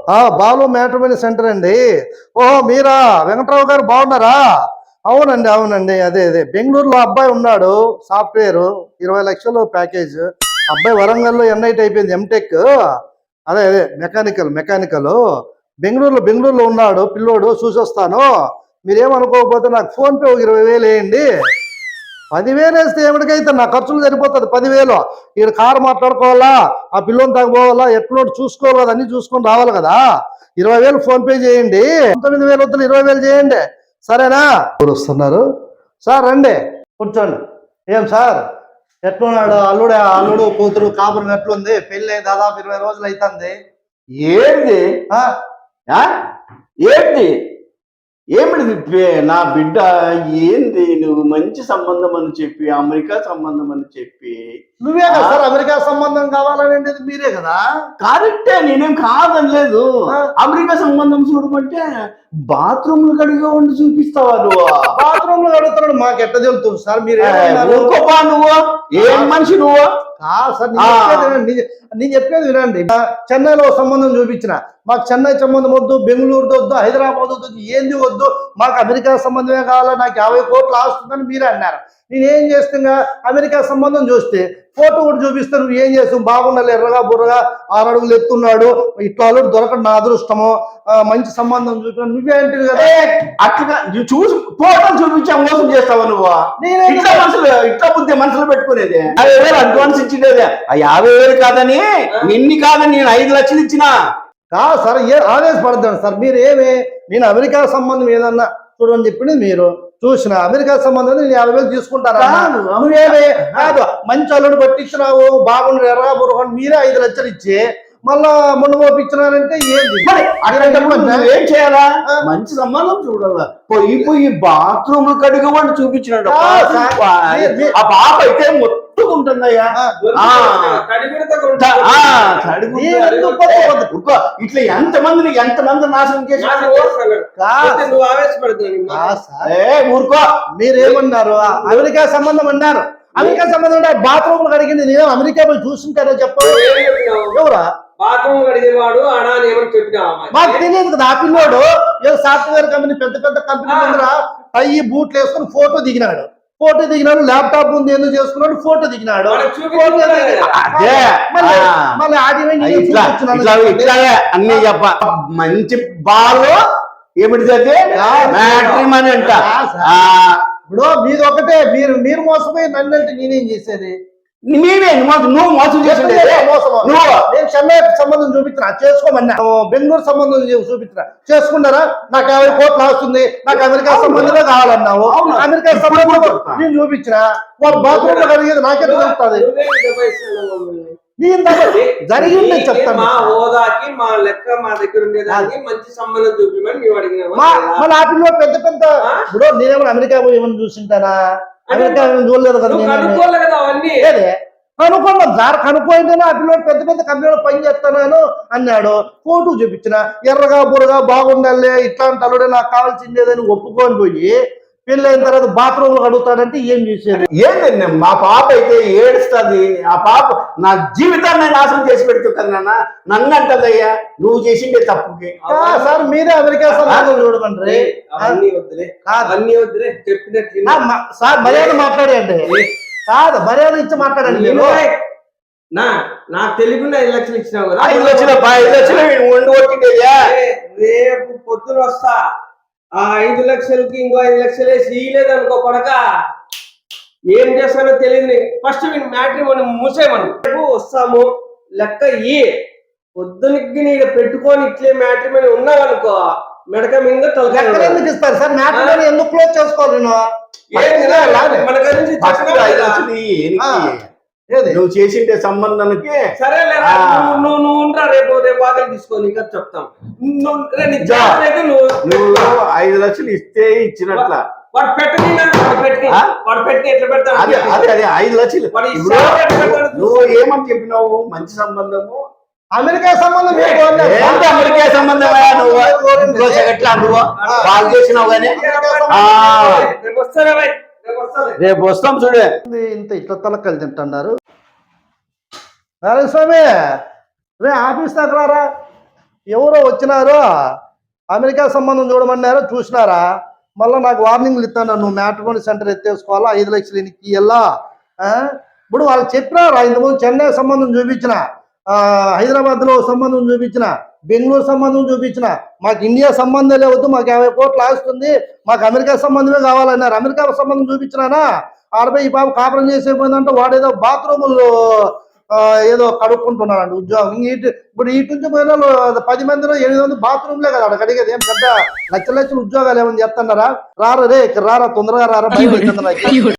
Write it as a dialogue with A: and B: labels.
A: Balu matrimony centre అండి. ఓహో మీరా? వెంకట్రావు గారు బాగున్నారా? అవునండి అవునండి, అదే అదే బెంగళూరులో అబ్బాయి ఉన్నాడు, సాఫ్ట్వేర్ 20 లక్షలు ప్యాకేజ్. అబ్బాయి వరంగల్లో ఎన్ఐటి అయిపోయింది, ఎంటెక్. అదే అదే మెకానికల్ బెంగళూరులో ఉన్నాడు పిల్లోడు, చూసొస్తాను. మీరేమనుకోకపోతే నాకు ఫోన్పే ఒక 20,000 వేయండి. 10,000 వేస్తే ఏమిటికైతే నా ఖర్చులు సరిపోతుంది. 10,000 ఈడ కారు మాట్లాడుకోవాలా, ఆ పిల్లోని తగ్గపోవాలా, ఎట్లోటి చూసుకోవాలి కదా, అన్ని చూసుకొని రావాలి కదా. 20,000 ఫోన్పే చేయండి. 19,000 వద్దులు 20,000 చేయండి, సరేనా? ఎవరు వస్తున్నారు సార్? రండి కూర్చోండి. ఏం సార్ ఎట్లున్నాడు అల్లుడు కూతురు కాపురం ఎట్లుంది? పెళ్ళి దాదాపు 20 రోజులు అవుతుంది.
B: ఏంది ఏంది ఏమిటి నా బిడ్డ? ఏంది నువ్వు మంచి సంబంధం అని చెప్పి, అమెరికా సంబంధం అని చెప్పి?
A: నువ్వే కదా సార్ అమెరికా సంబంధం కావాలనేది, మీరే కదా.
B: కరెక్టే, నేనేం కాదనలేదు. అమెరికా సంబంధం చూడమంటే బాత్రూమ్ లో కడిగా ఉండి చూపిస్తావా నువ్వు?
A: బాత్రూమ్ లో కడుగుతున్నాడు, మాకు ఎట్లా తెలుస్తుంది సార్? మీరు
B: నువ్వు ఏం మనిషి నువ్వు?
A: సార్ నేను చెప్పేది వినండి. చెన్నైలో సంబంధం చూపించిన, మాకు చెన్నై సంబంధం వద్దు, బెంగళూరు వద్దు, హైదరాబాద్ వద్దు, ఏంది వద్దు, మాకు అమెరికా సంబంధమే కావాలా, నాకు 50 కోట్లు ఆస్తుందని మీరే అన్నారు. నేనేం చేస్తున్నా, అమెరికా సంబంధం చూస్తే ఫోటో కూడా చూపిస్తే నువ్వు ఏం చేస్తావు? బాగుండాలి, ఎర్రగా బుర్రగా 6 అడుగులు ఎత్తున్నాడు, ఇట్లా దొరకడం నా అదృష్టము, మంచి సంబంధం చూపిన నువ్వేంటివి కదా.
B: అట్లా చూసి ఫోటోలు చూపించా మోసం చేస్తావా నువ్వు? ఇట్లా బుద్ధి మనసులో పెట్టుకునేది. 50,000 అడ్వాన్స్ ఇచ్చిండేది, ఆ 50,000 కాదని నిన్ని కాదని నేను 5 లక్షలు ఇచ్చినా.
A: కాదు సార్, ఆవేశపడద్దాను సార్. మీరు నేను అమెరికా సంబంధం ఏదన్నా చూడని చెప్పింది మీరు చూసిన, అమెరికా సంబంధం నేను 50,000 తీసుకుంటారా? కాదు, మంచి అల్లుడు పట్టించినావు, బాగుండు, ఎర్రగా బుర్రగా, మీరే 5 లక్షలు ఇచ్చి మళ్ళా మొన్న పంపించినారంటే ఏంటి?
B: ఏం చేయాలా? మంచి సంబంధం చూడాలా, పోయి బాత్రూమ్ కడిగవాడిని చూపించినాడు. ఆ పాప అయితే మొత్తుకుంటుందయ్యా. ఇట్లా ఎంతమంది నాశనం చేసినాడు.
A: ఊరుకో, మీరేమన్నారు? అమెరికా సంబంధం అన్నారు. అమెరికా సంబంధం అంటే బాత్రూమ్ కడిగింది నేను అమెరికా పోయి చూసుంటారో చెప్పు. ఎవరా
C: బాత్రూమ్ కడిగేవాడు అనా అని ఏమని చెప్పినావా?
A: మాకు తెలియదు కదా. ఆ పిల్లోడు ఏదో సాఫ్ట్వేర్ కంపెనీ, పెద్ద కంపెనీ ముందర టై బూట్లు వేసుకుని ఫోటో దిగినాడు, ల్యాప్టాప్ ముందు ఎందుకు చేసుకున్నాడు, ఫోటో దిగినాడు.
B: అన్ని చెప్ప మంచి బాలు ఏమిటి మ్యాట్రిమోనీ అంట.
A: ఇప్పుడు మీది ఒకటే, మీరు మోసపోయి నన్ను అంటే నేనేం చేసేది?
B: నువ్వు మోసం చేసింది.
A: నేను చెన్నై సంబంధం చూపించిన, చేసుకోమన్నా. బెంగళూరు సంబంధం చూపించిన, చేసుకున్నారా? నాకు 50 కోట్లు వస్తుంది, నాకు అమెరికా సంబంధమే కావాలన్నావు. అమెరికా సంబంధం నేను చూపించిన, వాళ్ళు బాత్రూమ్ లో కలిగేది నాకే తెలుస్తుంది. జరిగింది చెప్తాను.
C: మా హోదాకి మా లెక్క మా దగ్గర ఉండేదానికి మంచి సంబంధం చూపించమని మేము అడిగినాము.
A: మన ఆపిల్లో పెద్ద ఇప్పుడు నేనేమో అమెరికా పోయి ఏమన్నా చూసింటానా? అమెరికా చూడలేదు కదా. కనుక్కున్నాం సార్, కనుక్కోయింటేనే ఆ పిల్లలు పెద్ద కంపెనీలో పని చేస్తున్నాను అన్నాడు. ఫోటో చూపించిన, ఎర్రగా బుర్రగా బాగుండాలి, ఇట్లాంటి అల్లుడే నాకు కావాల్సిందేదని ఒప్పుకొని పోయి పెళ్ళైన తర్వాత బాత్రూమ్ లో అడుగుతాడంటే ఏం చేసేది?
B: ఏంటండి మా పాప అయితే ఏడుస్తుంది. ఆ పాప నా జీవితాన్ని నాశనం చేసి పెడుతుంది కదా నాన్న. నన్ను అంటదయ్యా నువ్వు చేసిండే తప్పుకి.
A: సార్ మీరే అమెరికా సంబంధం చూడమంటారు. సార్ మర్యాద మాట్లాడండి. కాదు, మర్యాద ఇచ్చి మాట్లాడండి.
C: నాకు తెలియకుండా 5 లక్షలు ఇచ్చినావు కదా.
B: 5 లక్షలు వండి కొట్టిండేయా.
C: రేపు పొద్దున వస్తా, ఆ 5 లక్షలకి ఇంకో 5 లక్షలు వేసి ఇలేదనుకో కొడక, ఏం చేస్తానో తెలియదు. ఫస్ట్ మీరు మ్యాట్రిమోనీ మూసేయమను. రేపు వస్తాము, లెక్క పొద్దునకి నీకు పెట్టుకొని ఇట్లే మ్యాట్రిమోనీ ఉన్నావనుకో, మెడక మీద
A: ఎందుకు ఇస్తారు సార్? మ్యాట్రిమోనీ ఎందుకు క్లోజ్ చేసుకోవాలి?
B: నువ్వు చేసిండే సంబంధానికి
C: సరే నువ్వు ఉండరా, రేపు వాదన తీసుకోని ఇంకా చెప్తాం.
B: నువ్వు 5 లక్షలు ఇస్తే ఇచ్చినట్ల
C: వాడు పెట్టి ఎట్లా పెడతాడు?
B: అదే 5 లక్షలు. నువ్వు ఏమని చెప్పినావు? మంచి సంబంధము,
A: అమెరికా సంబంధం.
B: అమెరికా సంబంధం ఎట్లా నువ్వు బాగా చేసినావు కానీ రేపు వస్తాం చూడే.
A: ఇంత ఇట్లా తలకలు తింటున్నారు. నారాయణ స్వామి, రే ఆఫీస్ దగ్గర ఎవరో వచ్చినారు అమెరికా సంబంధం చూడమన్నారు, చూసినారా? మళ్ళీ నాకు వార్నింగ్లు ఇస్తాను, నువ్వు మ్యాట్రిమోనీ సెంటర్ ఎత్తేసుకోవాలా, 5 లక్షలు ఇనికి ఇయ్యాలా. ఇప్పుడు వాళ్ళు చెప్పినారు, ఇంతకుముందు చెన్నై సంబంధం చూపించిన, హైదరాబాద్లో సంబంధం చూపించిన, బెంగళూరు సంబంధం చూపించిన, మాకు ఇండియా సంబంధం లేవద్దు, మాకు 50 కోట్లు ఆస్తుంది, మాకు అమెరికా సంబంధమే కావాలన్నారు. అమెరికా సంబంధం చూపించినానా, ఆడపై ఈ పాప కాపురం చేసేపోయిందంటే వాడేదో బాత్రూములు ఏదో కడుక్కుంటున్నాడు ఉద్యోగం. ఇప్పుడు ఇటు నుంచి పోయిన 10 మందిలో 8 మంది బాత్రూమ్లే కదా అక్కడ కడిగేది. ఏం పెద్ద లక్షల ఉద్యోగాలు ఏమని చెప్తున్నారా? రారా రే, రారా తొందరగా రారా, భయం అవుతుంది నాకు.